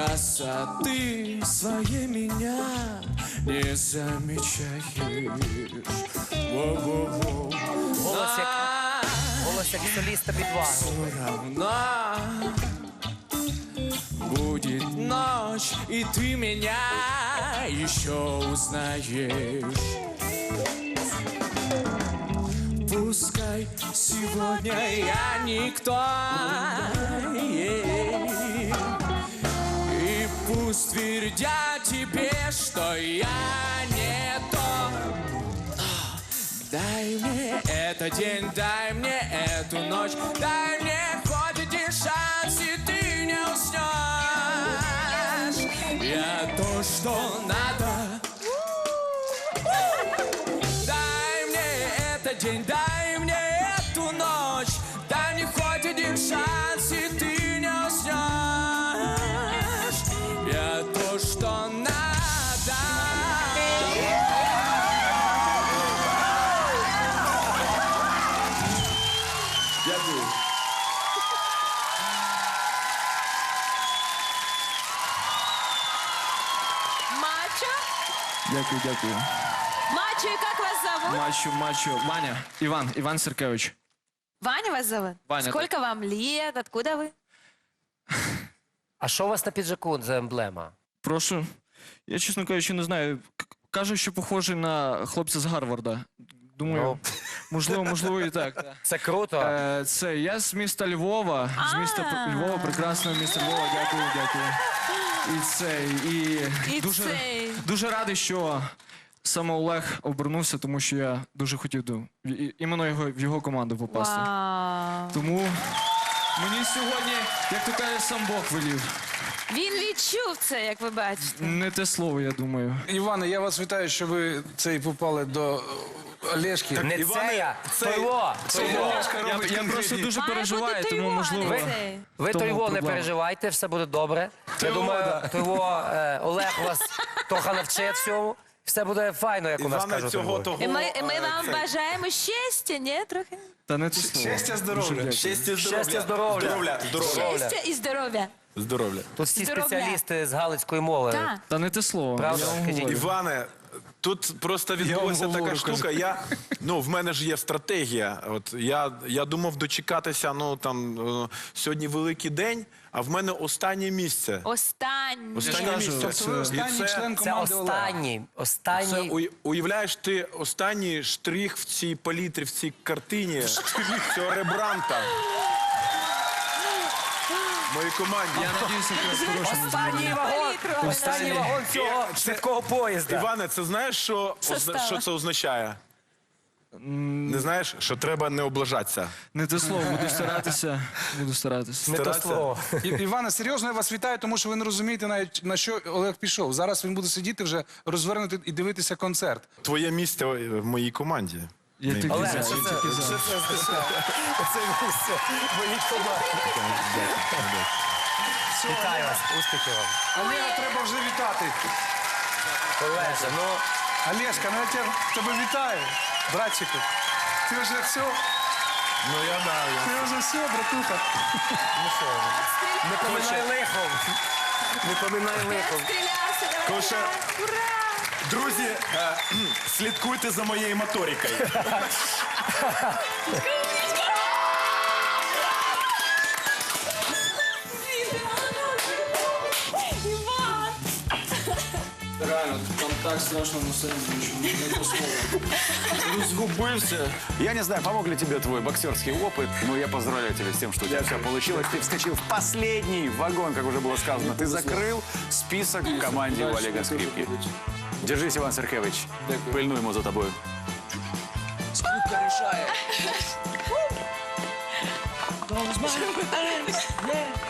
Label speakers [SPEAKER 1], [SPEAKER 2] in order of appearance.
[SPEAKER 1] красоты своей меня не замечаешь. Во-во-во.
[SPEAKER 2] Голос як соліста підвагу.
[SPEAKER 1] Все равно будет ночь, и ты меня еще узнаешь. Пускай сегодня я никто, и пусть твердят тебе, что я не то. Дай мне этот день, дай мне эту ночь, дай мне хоть один шанс, и ты не уснешь. Я то, что надо. Дай мне этот день, дай мне эту ночь, дай мне хоть один шанс, и ты не уснешь. Я то, что надо. Дякую.
[SPEAKER 3] Мачо?
[SPEAKER 1] Дякую, дякую.
[SPEAKER 3] Мачо, и как вас зовут?
[SPEAKER 1] Мачо. Ваня. Иван Серкевич.
[SPEAKER 3] Ваня вас зовут?
[SPEAKER 1] Ваня,
[SPEAKER 3] Сколько вам лет? Откуда вы?
[SPEAKER 2] А що у вас на піджаку за емблема?
[SPEAKER 1] Прошу. Я, чесно кажучи, не знаю. Кажуть, що похожий на хлопця з Гарварда. Думаю, можливо і так.
[SPEAKER 2] Це круто.
[SPEAKER 1] Це я з міста Львова. З міста Львова, прекрасного міста Львова. Дякую. І дуже радий, що саме Олег обернувся, тому що я дуже хотів іменно в його команду попасти.
[SPEAKER 3] Вау.
[SPEAKER 1] Тому мені сьогодні, як то каже, сам Бог велів.
[SPEAKER 3] Він відчув це, як ви бачите.
[SPEAKER 1] Не те слово, я думаю.
[SPEAKER 4] Іване, я вас вітаю, що ви попали до Олешки.
[SPEAKER 2] Не це я, Тойво.
[SPEAKER 1] Я просто дуже переживаю, тому можливо.
[SPEAKER 2] Ви
[SPEAKER 1] тому
[SPEAKER 2] Тойво не
[SPEAKER 1] проблема.
[SPEAKER 2] переживайте, все буде добре. Я думаю, Тойво, Олег вас трохи навчить всьому. Все буде файно, як у нас кажуть.
[SPEAKER 3] І ми вам бажаємо щастя, ні, трохи?
[SPEAKER 1] Та не те слово.
[SPEAKER 4] Щастя, здоров'я.
[SPEAKER 2] Щастя, здоров'я.
[SPEAKER 3] Щастя і здоров'я.
[SPEAKER 5] Здоров'я.
[SPEAKER 2] Тут всі
[SPEAKER 3] Здоров'я.
[SPEAKER 2] спеціалісти з галицької мови.
[SPEAKER 3] Так.
[SPEAKER 1] Та не те слово.
[SPEAKER 2] Правда?
[SPEAKER 1] Я вам
[SPEAKER 2] Скажіть.
[SPEAKER 1] говорю.
[SPEAKER 5] Іване, тут просто відбулася
[SPEAKER 1] вам
[SPEAKER 5] така
[SPEAKER 1] говорю,
[SPEAKER 5] штука. В мене ж є стратегія. От я думав дочекатися, сьогодні великий день, а в мене останнє місце.
[SPEAKER 3] Останнє.
[SPEAKER 5] Останнє місце.
[SPEAKER 4] Тобто ви останній член
[SPEAKER 2] Це
[SPEAKER 4] команди Олега.
[SPEAKER 2] останній.
[SPEAKER 5] Уявляєш, ти останній штрих в цій палітрі, в цій картині, цього рембранта. В моїй команді.
[SPEAKER 1] Я надіюся, що хорошому.
[SPEAKER 2] Останній вагон цього швидкого поїзда.
[SPEAKER 5] Іване, це знаєш, що це означає? Не знаєш, що треба не облажатися.
[SPEAKER 1] Не те слово, буду старатися.
[SPEAKER 2] Не то слово.
[SPEAKER 4] Іване, серйозно я вас вітаю, тому що ви не розумієте навіть, на що Олег пішов. Зараз він буде сидіти вже, розвернути і дивитися концерт.
[SPEAKER 5] Твоє місце в моїй команді.
[SPEAKER 1] Я тільки
[SPEAKER 2] Олег,
[SPEAKER 1] за,
[SPEAKER 2] що
[SPEAKER 1] я
[SPEAKER 2] це?
[SPEAKER 1] тільки за.
[SPEAKER 2] Це місце. Мої команди. Вітаю вас, успіхів вам.
[SPEAKER 4] Олега треба вже вітати.
[SPEAKER 2] Олеже,
[SPEAKER 4] Олешка, я тебе вітаю, братчику. Ти вже все, ти вже все, братуха.
[SPEAKER 2] не поминай лихом. Не поминай лихом.
[SPEAKER 3] Стрілявся, давай.
[SPEAKER 5] Коша.
[SPEAKER 3] Ура!
[SPEAKER 5] Друзі, слідкуйте за моєю моторикою.
[SPEAKER 3] Іван!
[SPEAKER 1] Реально, там так страшно на сцені звучить. Не те слово. Розгубився.
[SPEAKER 6] Я не знаю, помог ли тебе твой боксерский опыт, но я поздравляю тебя с тем, что у тебя все получилось. Ты вскочил в последний вагон, как уже было сказано. Ты закрыл список в команде у Олега Скрипки. Держись, Иван Серкевич. Пильнуємо за тобою.
[SPEAKER 1] Скрипка рішає.